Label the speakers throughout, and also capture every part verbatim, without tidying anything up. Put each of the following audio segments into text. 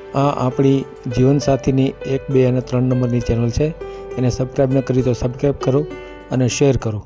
Speaker 1: આ આપણી જીવનસાથીની એક બે અને ત્રણ નંબરની ચેનલ છે. એને સબસ્ક્રાઈબ ન કરી તો સબસ્ક્રાઈબ કરો અને શેર કરો.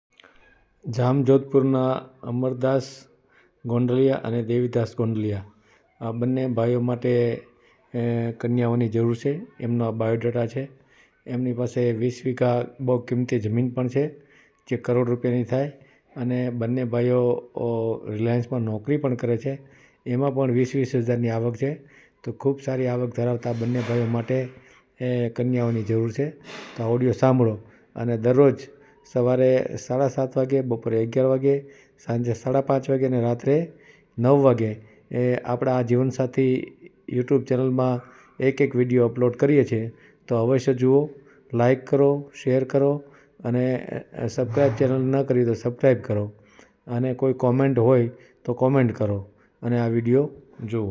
Speaker 1: જામજોધપુરના અમરદાસ ગોંડલિયા અને દેવીદાસ ગોંડલિયા આ બંને ભાઈઓ માટે કન્યાઓની જરૂર છે. એમનો આ બાયોડેટા છે. એમની પાસે વીસ વીઘા બહુ કિંમતી જમીન પણ છે જે કરોડ રૂપિયાની થાય, અને બંને ભાઈઓ રિલાયન્સમાં નોકરી પણ કરે છે. એમાં પણ વીસ વીસ હજારની આવક છે. તો ખૂબ સારી આવક ધરાવતા બંને ભાઈઓ માટે એ કન્યાઓની જરૂર છે. તો ઓડિયો સાંભળો અને દરરોજ સવારે સાડા સાત વાગે, બપોરે અગિયાર વાગે, સાંજે સાડા પાંચ વાગે અને રાત્રે નવ વાગે એ આપણા આ જીવનસાથી યુટ્યુબ ચેનલમાં એક એક વિડીયો અપલોડ કરીએ છીએ. તો અવશ્ય જુઓ, લાઈક કરો, શેર કરો અને સબસ્ક્રાઈબ ચેનલ ન કરી તો સબસ્ક્રાઈબ કરો, અને કોઈ કોમેન્ટ હોય તો કોમેન્ટ કરો અને આ વિડીયો જુઓ.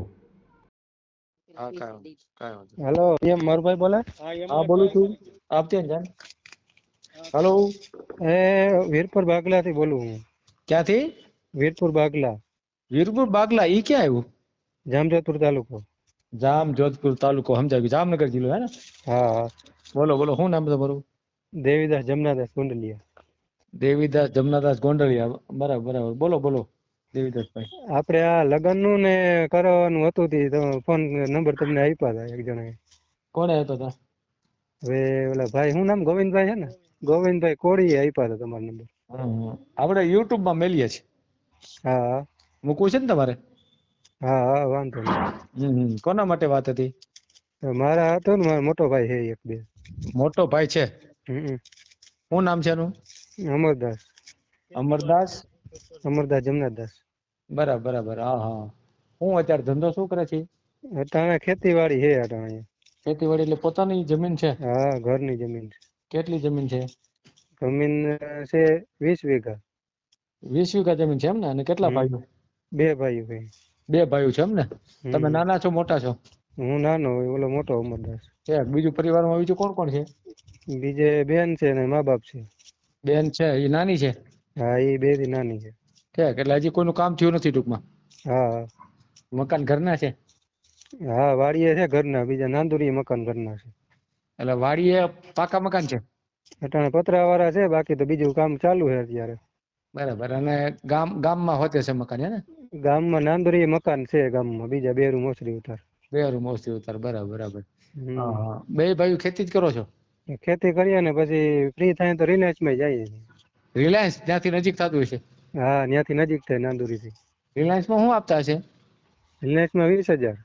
Speaker 2: હા કાંઈ કાંઈ વાંધો નહીં.
Speaker 3: હેલો, એમ મારુભાઈ બોલે?
Speaker 2: હા બોલું છું. આપજો ને જાણ. હેલો,
Speaker 3: એ વીરપુર બાગલા થી બોલું હું.
Speaker 2: ક્યાંથી?
Speaker 3: વીરપુર બાગલા,
Speaker 2: વીરપુર બાગલા. ઈ ક્યાં આવ્યું?
Speaker 3: જામજોધપુર તાલુકો.
Speaker 2: જામજોધપુર તાલુકો સમજાય ગયું. જામનગર જિલ્લો હે ને?
Speaker 3: હા હા.
Speaker 2: બોલો બોલો, શું નામ તમારું?
Speaker 3: દેવીદાસ જમનાદાસ ગોંડલિયા.
Speaker 2: દેવીદાસ જમનાદાસ ગોંડલિયા. બરાબર બરાબર. બોલો બોલો દેવીદાસભાઈ.
Speaker 3: આપણે આ લગ્ન નું ને કરવાનું હતું તી તો ફોન નંબર તમને આપ્યા હતા એક જણાએ.
Speaker 2: કોણે આપ્યા હતા?
Speaker 3: હવે ઓલા ભાઈ, શું નામ? ગોવિંદભાઈ છે ને? ગોવિંદભાઈ કોળીએ આપ્યા હતા તમારો નંબર.
Speaker 2: હમ આપણે યુટ્યુબ માં મેલીએ છીએ.
Speaker 3: હા હા.
Speaker 2: મૂકવું છે ને તમારે?
Speaker 3: હા હા, વાંધો નહીં.
Speaker 2: હમ કોના માટે વાત હતી?
Speaker 3: મારા હતો ને, મારો મોટો ભાઈ છે એક બે.
Speaker 2: મોટો ભાઈ છે?
Speaker 3: હમ.
Speaker 2: શું નામ છે એનું?
Speaker 3: અમરદાસ.
Speaker 2: અમરદાસ.
Speaker 3: અમરદાસ જમનાદાસ.
Speaker 2: બરાબર બરાબર. હા હા. હું અત્યારે ધંધો શું કરે છે?
Speaker 3: અટાણે ખેતીવાડી છે અટાણે.
Speaker 2: ખેતીવાડી એટલે પોતાની જમીન છે?
Speaker 3: હા, ઘરની જમીન છે.
Speaker 2: કેટલી જમીન છે?
Speaker 3: જમીન છે વીસ વીઘા.
Speaker 2: વીસ વીઘા જમીન છે એમ ને? અને કેટલા ભાઈઓ?
Speaker 3: બે ભાઈઓ ભાઈ.
Speaker 2: બે ભાઈઓ છે એમ ને? તમે નાના છો મોટા છો?
Speaker 3: હું નાનો હોય, ઓલો મોટો અમરદાસ.
Speaker 2: છે. બીજું પરિવારમાં બીજું કોણ કોણ છે?
Speaker 3: બીજે બેન છે ને મા બાપ છે.
Speaker 2: બેન છે, એ નાની છે?
Speaker 3: હા, એ બે થી નાની છે.
Speaker 2: ઠેક. એટલે હજી કોઈનું કામ થયું નથી ટૂંકમાં?
Speaker 3: હા.
Speaker 2: મકાન ઘરના છે?
Speaker 3: હા, વાડીએ છે ઘરના, બીજા નાંદુરી મકાન ઘરના છે.
Speaker 2: એટલે વાડીએ પાકા મકાન છે?
Speaker 3: અટાણે પતરા વાળા છે, બાકી તો બીજું કામ ચાલુ છે અત્યારે.
Speaker 2: બરાબર. અને ગામ ગામમાં હોતે છે મકાન હે ને?
Speaker 3: ગામમાં નાંદુરી મકાન છે ગામમાં, બીજા બે રૂમ ઓસરી ઉતાર.
Speaker 2: બે રૂમ ઓસરી ઉતાર. બરાબર બરાબર. હા
Speaker 3: હમ.
Speaker 2: હા. બે ભાઈઓ ખેતી જ કરો છો?
Speaker 3: ખેતી કરીએ ને પછી ફ્રી થાય તો રિલાયન્સ માં જઈએ.
Speaker 2: રિલાયન્સ ત્યાંથી નજીક થતું હશે?
Speaker 3: હા, ત્યાંથી નજીક થાય નાંદુરી થી.
Speaker 2: રિલાયન્સમાં શું આપતા હશે?
Speaker 3: રિલાયન્સ માં વીસ હજાર.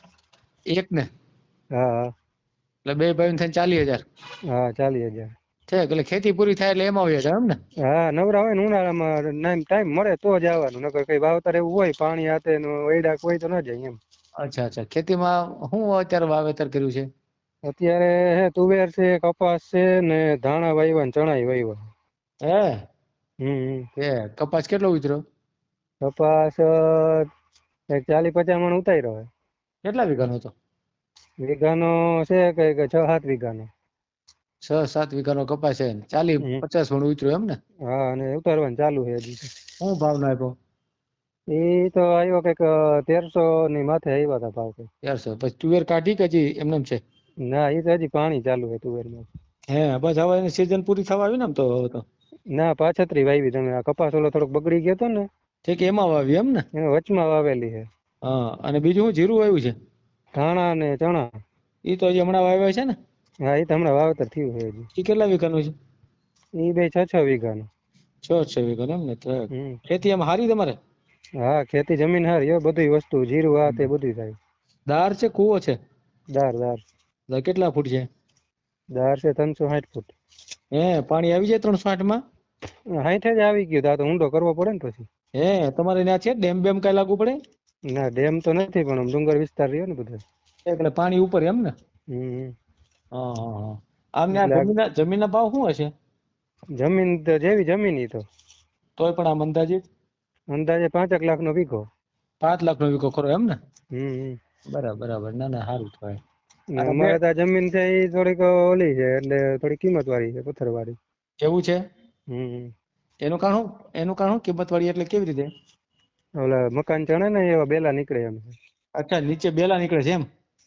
Speaker 2: એક ને?
Speaker 3: હા હા.
Speaker 2: એટલે બે ભાઈઓ થઈને ચાલીસ હજાર?
Speaker 3: હા, ચાલીસ હજાર.
Speaker 2: છે એટલે ખેતી પૂરી થાય એટલે એમાં હોય છે એમ ને?
Speaker 3: હા, નવરા હોય ને ઉનાળામાં ટાઈમ મળે તો જ આવવાનું, નકર કઈ વાવતર એવું હોય પાણી હાથે વૈડા હોય તો ન જાય એમ.
Speaker 2: અચ્છા અચ્છા. ખેતીમાં શું અત્યારે વાવેતર કર્યું છે?
Speaker 3: અત્યારે હે તુવેર છે, કપાસ છે ને ધાણા વાવ્યા ને ચણા વાવ્યા.
Speaker 2: હે?
Speaker 3: હમ.
Speaker 2: એ કપાસ કેટલો ઉતર્યો?
Speaker 3: કપાસ એક ચાલી પચાસ મણ ઉતાર્યો હોય.
Speaker 2: કેટલા વીઘાનો હતો?
Speaker 3: વીઘાનો છે કઈક છ સાત વીઘાનો.
Speaker 2: છ સાત વીઘાનો કપાસ છે, ચાલી
Speaker 3: હમ.
Speaker 2: પચાસ મણ ઉતર્યું એમ ને?
Speaker 3: હા, અને ઉતારવાનું ચાલુ છે હજી.
Speaker 2: શું ભાવ નાખ્યો?
Speaker 3: એ તો આવ્યો કઈક તેરસો ની માથે આવ્યા હતા ભાવ.
Speaker 2: તેરસો. પછી તુવેર કાઢી કે હજી એમને છે?
Speaker 3: ના, એ તો હજી પાણી ચાલુ છે તુવેરમાં.
Speaker 2: હે, બસ હવે એની સીઝન પૂરી થવા આવી ને આમ તો હવે તો.
Speaker 3: ના, પાછતરી વાવી તમે. આ કપાસ ઓલો થોડોક બગડી ગયો હતો ને,
Speaker 2: ઠીક એમાં વાવી એમ ને?
Speaker 3: એને વચમાં વાવેલી છે.
Speaker 2: હા. અને બીજું શું જીરું વાવ્યું છે?
Speaker 3: ધાણા ને ચણા.
Speaker 2: એ તો હજી હમણાં વાવ્યા છે ને?
Speaker 3: હા, એ તો હમણાં વાવેતર થયું છે હજી.
Speaker 2: એ કેટલા વીઘાનું છે?
Speaker 3: એ બે છ છ વીઘાનું.
Speaker 2: છ છ વીઘાનું એમ ને?
Speaker 3: હમ.
Speaker 2: ખેતી એમ હારી તમારે?
Speaker 3: હા, ખેતી જમીન હારી હો, બધી વસ્તુ જીરું આ તે બધું થાય.
Speaker 2: દાર છે કૂવો છે?
Speaker 3: દાર દાર.
Speaker 2: કેટલા ફૂટ છે?
Speaker 3: દાર છે ત્રણસો સાઠ ફૂટ.
Speaker 2: હે, પાણી આવી જાય ત્રણસો આઠ માં?
Speaker 3: સાઠે જ આવી ગયું, તો ઊંડો કરવો પડે ને પછી.
Speaker 2: હે, તમારે ત્યાં છે ડેમ બેમ કઈ લાગુ પડે?
Speaker 3: ના, ડેમ તો નથી પણ ડુંગર વિસ્તાર રહ્યો ને બધો.
Speaker 2: એટલે પાણી ઉપર એમ ને?
Speaker 3: હમ.
Speaker 2: હા હા હા. આમ
Speaker 3: એટલે
Speaker 2: જમીન જમીન ના ભાવ શું હશે?
Speaker 3: જમીન તો જેવી જમીન ઈ તો.
Speaker 2: તોય પણ આમ અંદાજિત?
Speaker 3: અંદાજે પાંચેક લાખ નો વીઘો.
Speaker 2: પાંચ લાખ નો વીઘો ખરો એમ ને?
Speaker 3: હમ.
Speaker 2: બરાબર બરાબર. ના ના સારું કહેવાય.
Speaker 3: અમારે તો જમીન છે એ થોડીક ઓલી છે, એટલે થોડી કિંમત વાળી છે, પથ્થર વાળી.
Speaker 2: એવું છે?
Speaker 3: હમ.
Speaker 2: એનું કારણ શું? એનું કારણ શું કિંમત વાળી એટલે કેવી રીતે?
Speaker 3: ઓલા મકાન ચણે ને એવા બેલા નીકળે એમ.
Speaker 2: અચ્છા, નીચે બેલા નીકળે છે એમ?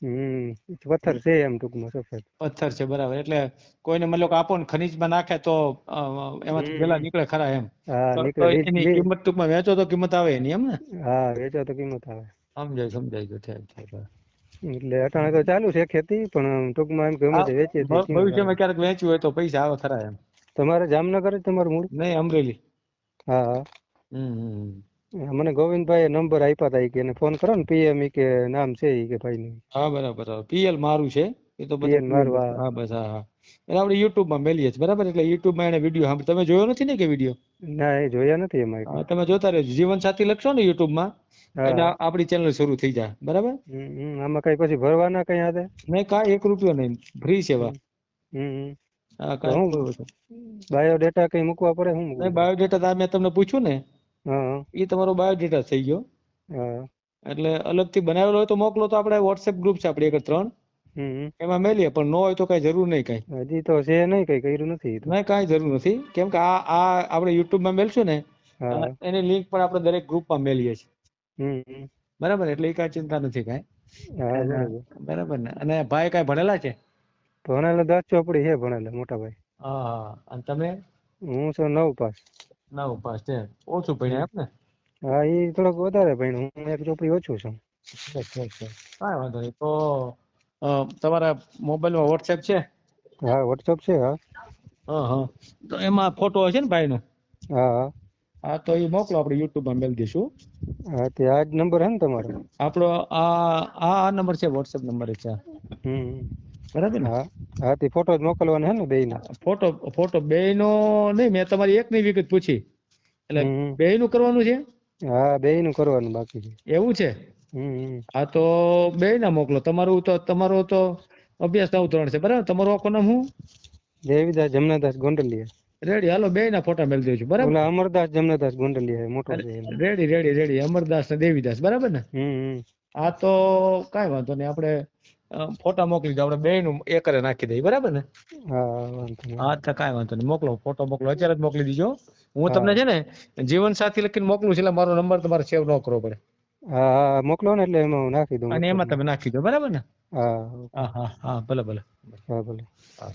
Speaker 3: હમ પથ્થર છે એમ ટૂંકમાં સફેદ.
Speaker 2: પથ્થર છે બરાબર. એટલે કોઈને મતલબ કે આપો ને ખનીજમાં નાખે તો અ, એમાંથી વેલા
Speaker 3: હમ
Speaker 2: નીકળે ખરા એમ.
Speaker 3: હા
Speaker 2: તો તો
Speaker 3: નીકળે લીજ
Speaker 2: એની
Speaker 3: લી
Speaker 2: કિંમત ટૂંકમાં વેચો તો કિંમત આવે એની એમ ને.
Speaker 3: હા વેચો તો કિંમત આવે.
Speaker 2: સમજાય સમજાય ગયું ઠીક ઠીક.
Speaker 3: એટલે અટાણે તો ચાલુ છે ખેતી પણ ટૂંકમાં એમ ગમે
Speaker 2: આ
Speaker 3: તે વેચીએ તો
Speaker 2: ભ-
Speaker 3: કિંમત આવે.
Speaker 2: ભવિષ્યમાં ક્યારેક વેચ્યું હોય તો પૈસા આવે ખરા એમ.
Speaker 3: તમારે જામનગર જ તમારું મૂળ?
Speaker 2: નહીં અમરેલી.
Speaker 3: હા હા.
Speaker 2: હમ હમ હમ.
Speaker 3: મને ગોવિંદભાઈ નંબર આપ્યા હતા ઈ કે એને ફોન કરો ને પીએમ ઈ કે નામ છે ઈ કે ભાઈનું.
Speaker 2: હા બરાબર બરાબર. પીએલ મારું છે એ તો બધા
Speaker 3: પીએન
Speaker 2: પીએલ
Speaker 3: મારું
Speaker 2: હા બસ હા હા. એટલે આપણે યુટ્યુબમાં મેલીએ છીએ બરાબર. એટલે યુટ્યુબમાં એને વિડીયો સાંભળ તમે જોયો નથી ને કે વિડીયો?
Speaker 3: ના એ જોયા નથી એમાં
Speaker 2: હા
Speaker 3: એટલે.
Speaker 2: તમે જોતા રહેજો. જીવન સાથી લખશો ને યુટ્યુબમાં એટલે
Speaker 3: હા
Speaker 2: આ- આપણી ચેનલ શરૂ થઈ જાય બરાબર.
Speaker 3: હમ હમ. આમાં કઈ પછી ભરવાના કઈ હાથે?
Speaker 2: નહીં કાંઈ એક રૂપિયો નહીં ફ્રી સેવા.
Speaker 3: હમ હમ.
Speaker 2: હા
Speaker 3: તો
Speaker 2: કાંઈ
Speaker 3: હું
Speaker 2: કોઈ વસ્તુ
Speaker 3: બાયોડેટા કઈ મૂકવા પડે શું મૂકવું
Speaker 2: નહીં.
Speaker 3: પડે?
Speaker 2: બાયોડેટા તો આ મેં તમને પૂછ્યું ને
Speaker 3: હા
Speaker 2: એ તમારો બાયોડેટા થઈ ગયો.
Speaker 3: હા.
Speaker 2: એટલે અલગથી બનાવેલો હોય તો મોકલો તો આપણે વોટ્સએપ ગ્રુપ છે આપણી એક ત્રણ
Speaker 3: હમ
Speaker 2: એમાં મેલીએ પણ ન હોય તો કાંઈ જરૂર નહીં કાંઈ.
Speaker 3: હજી તો છે નહીં કઈ કર્યું નથી ઈ તો.
Speaker 2: નહીં કાંઈ જરૂર નથી કેમ કે આ આ આપણે યુટ્યુબમાં મેલશું ને અ,
Speaker 3: હા
Speaker 2: એની લિંક પણ આપણે દરેક ગ્રુપમાં મેલીએ છીએ
Speaker 3: હમ હમ.
Speaker 2: બરાબર. એટલે એ કાંઈ ચિંતા નથી કાંઈ.
Speaker 3: હા
Speaker 2: અને
Speaker 3: બરોબર.
Speaker 2: બરાબર ને. અને ભાઈ કાંઈ ભણેલા છે?
Speaker 3: ભણેલા દસ ચોપડી છે ભણેલા મોટા ભાઈ.
Speaker 2: હા હા. અને તમે?
Speaker 3: હું છું નવ પાસ.
Speaker 2: નવ પાસ છે. ઓછું ભણ્યા એમ ને?
Speaker 3: હા ઈ થોડોક વધારે ભણ્યો હું એક ચોપડી ઓછું છું.
Speaker 2: ઠીક ઠીક ઠીક. કાંઈ વાંધો નહીં. તો અ, તમારા મોબાઈલમાં વોટ્સએપ છે?
Speaker 3: હા વોટ્સઅપ છે હા.
Speaker 2: હા હા. તો એમાં ફોટો હશે ને ભાઈનો?
Speaker 3: હા હા.
Speaker 2: હા તો એ મોકલો આપણે યુટ્યુબમાં મેલ દઈશું.
Speaker 3: હા તે આ જ નંબર હે ને તમારો?
Speaker 2: આપણો આ આ આ નંબર છે વોટ્સએપ નંબર છે આ.
Speaker 3: હમ
Speaker 2: બરાબર ને.
Speaker 3: હા હા તે ફોટો જ મોકલવાનો હે ને બેયનો?
Speaker 2: ફોટો ફોટો બેયનો નહીં મેં તમારી એકની વિગત પૂછી એટલે
Speaker 3: હમ
Speaker 2: બેયનું કરવાનું છે
Speaker 3: હા બેયનું કરવાનું બાકી છે.
Speaker 2: એવું છે.
Speaker 3: હમ
Speaker 2: હા તો બેયના મોકલો. તમારું તો તમારો તો અભ્યાસ નવ ધોરણ છે બરાબર. તમારું આખું નામ શું?
Speaker 3: દેવીદાસ જમનાદાસ ગોંડલિયા.
Speaker 2: રેડી હાલો બેયના ફોટા મેલ દેજો બરાબર.
Speaker 3: ઓલા અમરદાસ જમનાદાસ ગોંડલિયા મોટો છે એમ.
Speaker 2: Ready ready ready. અમરદાસ ને દેવીદાસ બરાબર ને.
Speaker 3: હમ
Speaker 2: હા તો કાંઈ વાંધો નહીં આપણે અ, ફોટા મોકલી દો. આપણે બેયનું એકરે નાખી દઈએ બરાબર ને.
Speaker 3: હા વાંધો નહીં.
Speaker 2: હા તો કાંઈ વાંધો નહીં. મોકલો ફોટો મોકલો અત્યારે જ મોકલી દીજો. હું
Speaker 3: હા
Speaker 2: તમને છે ને જીવન સાથી લખીને મોકલું છું એટલે મારો નંબર તમારે સેવ ન કરવો પડે
Speaker 3: હા હા મોકલો ને એટલે એમાં હું નાખી દઉં
Speaker 2: અને એમાં
Speaker 3: વોટ્સઅપમાં.
Speaker 2: તમે નાખી દો બરાબર ને.
Speaker 3: હા
Speaker 2: હા હા હા ભલે ભલે.
Speaker 3: હા ભલે.
Speaker 2: હા.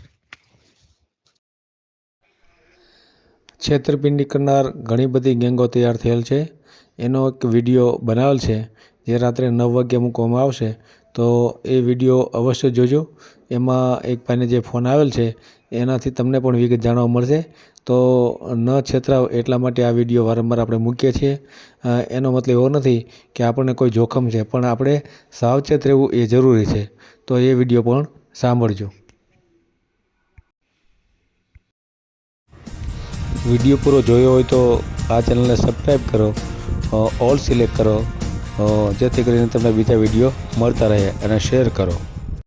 Speaker 1: છેતરપિંડી કરનાર ઘણી બધી ગેંગો તૈયાર થયેલ છે. એનો એક વિડીયો બનાવેલ છે જે રાત્રે નવ વાગ્યે મૂકવામાં આવશે તો એ વિડીયો અવશ્ય જોજો. એમાં એક ભાઈને જે ફોન આવેલ છે એનાથી તમને પણ વિગત જાણવા મળશે. તો ન છેતરાવ એટલા માટે આ વિડીયો વારંવાર આપણે મૂકીએ છીએ. અ, એનો મતલબ એવો નથી કે આપણને કોઈ જોખમ છે પણ આપણે સાવચેત રહેવું એ જરૂરી છે. તો એ વિડીયો પણ સાંભળજો. વિડીયો પૂરો જોયો હોય તો આ ચેનલને સબસ્ક્રાઈબ કરો, ઓલ સિલેક્ટ કરો, અ, જેથી કરીને તમને બીજા વિડીયો મળતા રહે અને શેર કરો.